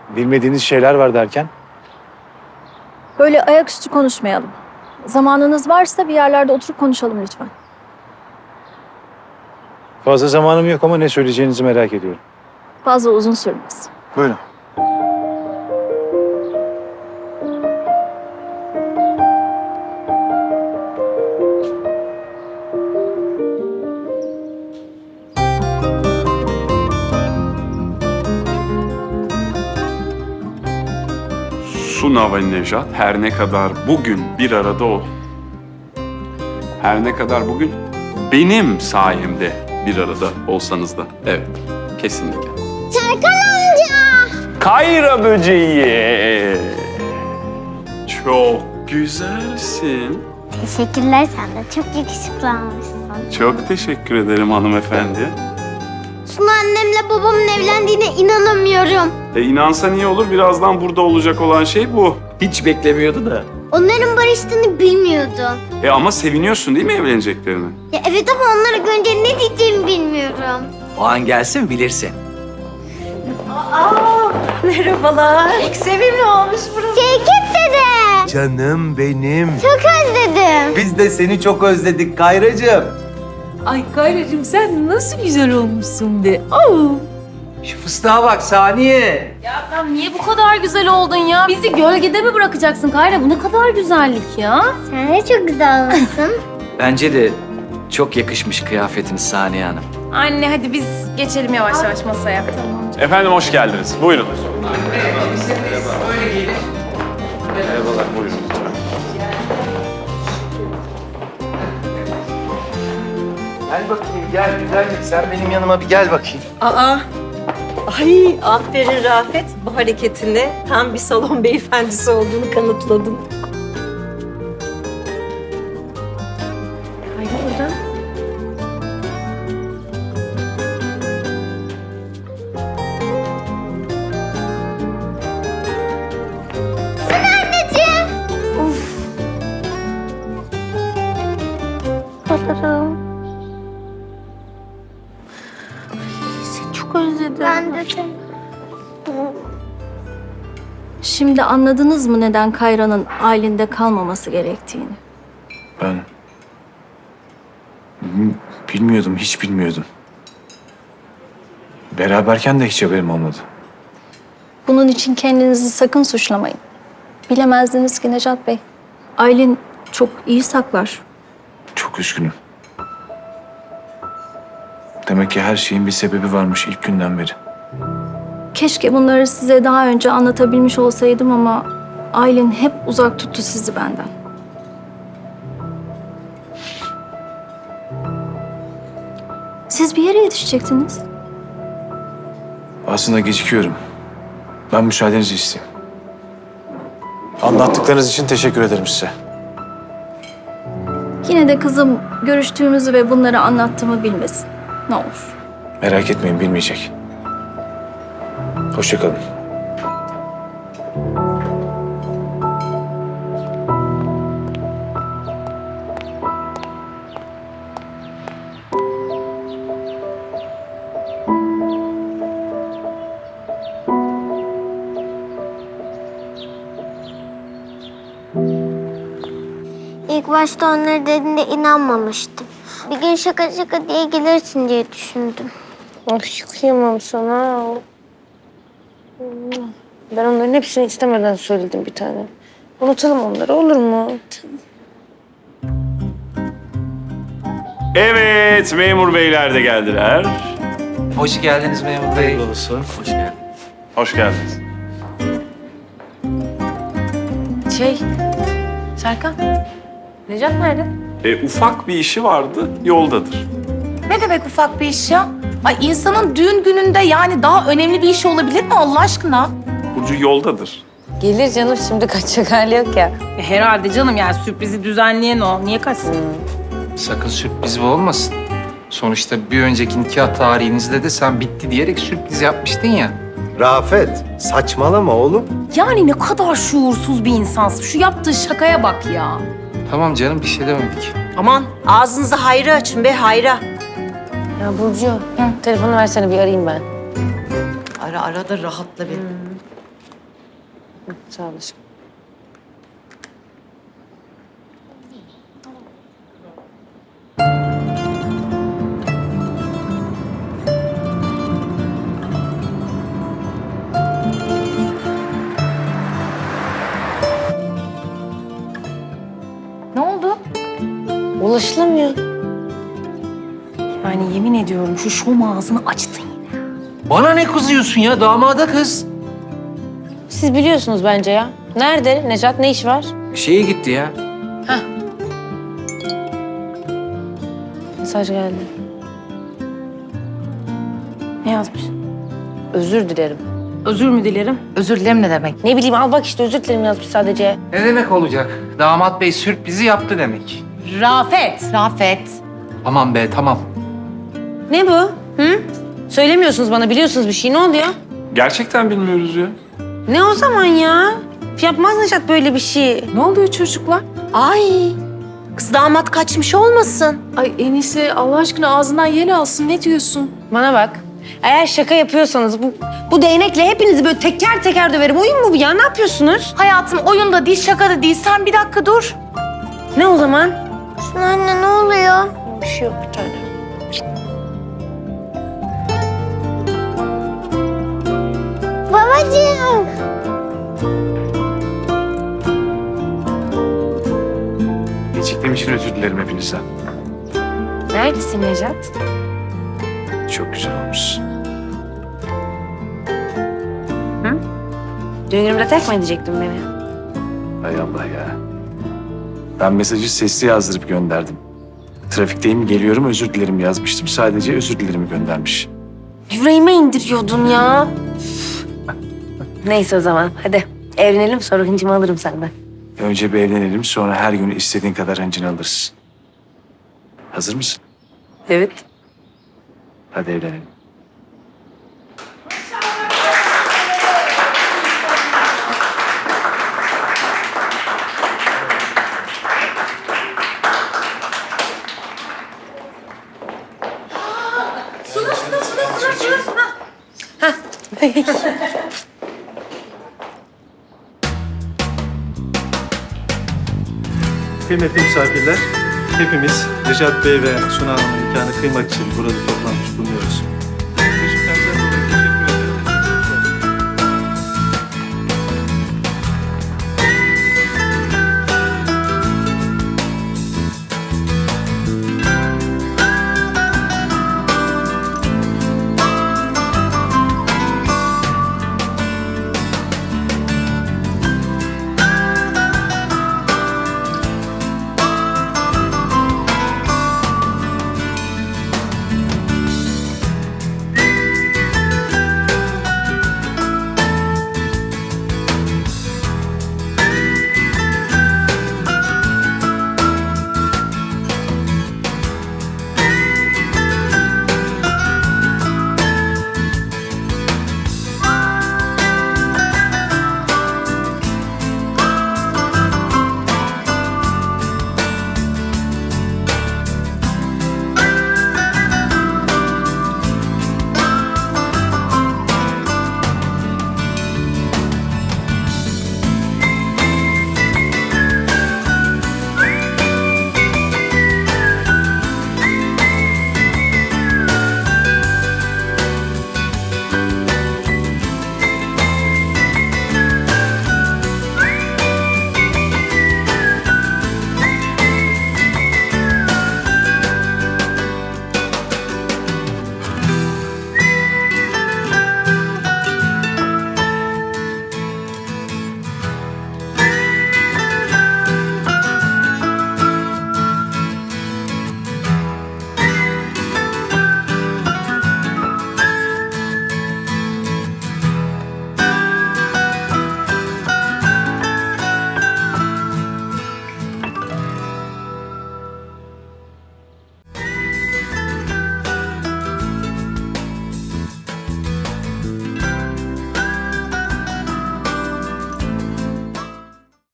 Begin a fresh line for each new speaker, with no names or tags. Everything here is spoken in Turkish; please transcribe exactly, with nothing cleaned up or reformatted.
bilmediğiniz şeyler var derken?
Böyle ayaküstü konuşmayalım. Zamanınız varsa bir yerlerde oturup konuşalım lütfen.
Fazla zamanım yok ama ne söyleyeceğinizi merak ediyorum.
Fazla uzun sürmez.
Buyurun.
Suna ve Nejat her ne kadar bugün bir arada ol. Her ne kadar bugün benim sayemde bir arada olsanız da. Evet, kesinlikle.
Serkan amca.
Kayra böceği. Çok güzelsin.
Teşekkürler, sen de çok yakışıklı olmuşsun.
Çok teşekkür ederim hanımefendi.
Suna annemle babamın evlendiğine inanamıyorum.
E inansan iyi olur, birazdan burada olacak olan şey bu.
Hiç beklemiyordu da.
Onların barıştığını bilmiyordum.
E ama seviniyorsun değil mi evleneceklerine?
Ya evet ama onları görünce ne diyeceğimi bilmiyorum.
O an gelsin bilirsin.
Merhabalar. Çok sevimli olmuş burası.
Şevket dede.
Canım benim.
Çok özledim.
Biz de seni çok özledik Kayracığım.
Ay Kayracığım sen nasıl güzel olmuşsun be. Oo.
Şu fıstığa bak Saniye.
Ya sen niye bu kadar güzel oldun ya? Bizi gölgede mi bırakacaksın Kayra? Bu ne kadar güzellik ya?
Sen de çok güzel olmuşsun.
Bence de çok yakışmış kıyafetiniz Saniye Hanım.
Anne hadi biz geçelim yavaş yavaş masaya.
Efendim hoş geldiniz. Buyurun. Merhabalar, buyurun.
Gel bakayım gel güzellik sen benim yanıma bir gel bakayım.
Aa. Ay aferin Rafet. Bu hareketinde tam bir salon beyefendisi olduğunu kanıtladın. Haydi buradan.
Anneciğim.
Çok özledim.
Ben de seni.
Şimdi anladınız mı neden Kayra'nın ailinde kalmaması gerektiğini?
Ben... Bil- Bilmiyordum, hiç bilmiyordum. Beraberken de hiç haberim olmadı.
Bunun için kendinizi sakın suçlamayın. Bilemezdiniz ki Necat Bey. Aylin çok iyi saklar.
Çok üzgünüm. Demek ki her şeyin bir sebebi varmış ilk günden beri.
Keşke bunları size daha önce anlatabilmiş olsaydım ama Aylin hep uzak tuttu sizi benden. Siz bir yere yetişecektiniz.
Aslında gecikiyorum. Ben müsaadenizi isteyeyim. Anlattıklarınız için teşekkür ederim size.
Yine de kızım görüştüğümüzü ve bunları anlattığımı bilmesin. Ne olur.
Merak etmeyin, bilmeyecek. Hoşça kalın.
İlk başta onları dediğinde inanmamıştım. Bir gün şaka şaka diye gelirsin diye düşündüm.
Ay kıyamam sana. Ben onların hepsini istemeden söyledim bir tane. Unutalım onları olur mu?
Evet, memur beyler de geldiler.
Hoş geldiniz memur bey.
Hoş geldin.
Hoş geldiniz.
Şey, Serkan, Necat nerede?
E, ufak bir işi vardı, yoldadır.
Ne demek ufak bir iş ya? Ay insanın düğün gününde yani daha önemli bir işi olabilir mi Allah aşkına?
Burcu yoldadır.
Gelir canım şimdi kaçacak hali yok ya.
E, herhalde canım yani sürprizi düzenleyen o. Niye kaçsın?
Sakın sürpriz bu olmasın. Sonuçta bir önceki nikah tarihinizde de sen bitti diyerek sürpriz yapmıştın ya.
Rafet saçmalama oğlum.
Yani ne kadar şuursuz bir insansın. Şu yaptığı şakaya bak ya.
Tamam canım bir şey demedik.
Aman ağzınızı hayra açın be hayra.
Ya Burcu, telefonu versene bir arayayım ben.
Ara ara da rahatla bir.
Hı, sağ olasın.
Ne oldu?
Ulaşılamıyor.
Yani yemin ediyorum şu şom ağzını açtın yine.
Bana ne kızıyorsun ya? Damada kız.
Siz biliyorsunuz bence ya. Nerede Necat? Ne iş var?
Şeye gitti ya.
Mesaj geldi.
Ne yazmış?
Özür dilerim.
Özür mü dilerim? Özür dilerim ne demek?
Ne bileyim al bak işte özür dilerim yazmış sadece.
Ne demek olacak? Damat bey sürprizi yaptı demek.
Rafet. Rafet.
Aman be tamam.
Ne bu? Hı? Söylemiyorsunuz bana biliyorsunuz bir şey. Ne oluyor?
Gerçekten bilmiyoruz ya.
Ne o zaman ya? Yapmaz Necat böyle bir şey.
Ne oluyor çocuklar?
Ay, kız damat kaçmış olmasın?
Ay Enise Allah aşkına ağzından yel alsın. Ne diyorsun?
Bana bak. Eğer şaka yapıyorsanız bu bu değnekle hepinizi böyle teker teker döverim. Oyun mu bu ya? Ne yapıyorsunuz?
Hayatım oyun da değil, şaka da değil. Sen bir dakika dur.
Ne o zaman?
Suna anne ne oluyor?
Bir şey yok bir tane.
Babacığım.
Geciktiğim için özür dilerim hepinizden.
Neredesin Necat?
Çok güzel olmuş.
Düğün günümde tek mi edecektin beni?
Hay Allah ya. Ben mesajı sesli yazdırıp gönderdim. Trafikteyim, geliyorum, özür dilerim yazmıştım. Sadece özür dilerimi göndermiş.
Yüreğime indiriyordun ya. Neyse o zaman hadi evlenelim sonra hıncımı alırım senden.
Önce bir evlenelim, sonra her gün istediğin kadar hıncını alırız. Hazır mısın?
Evet.
Hadi evlenelim.
Kıymetli misafirler, hepimiz Necat Bey ve Suna Hanım'ın nikahını kıymak için burada toplanmış bulunuyoruz.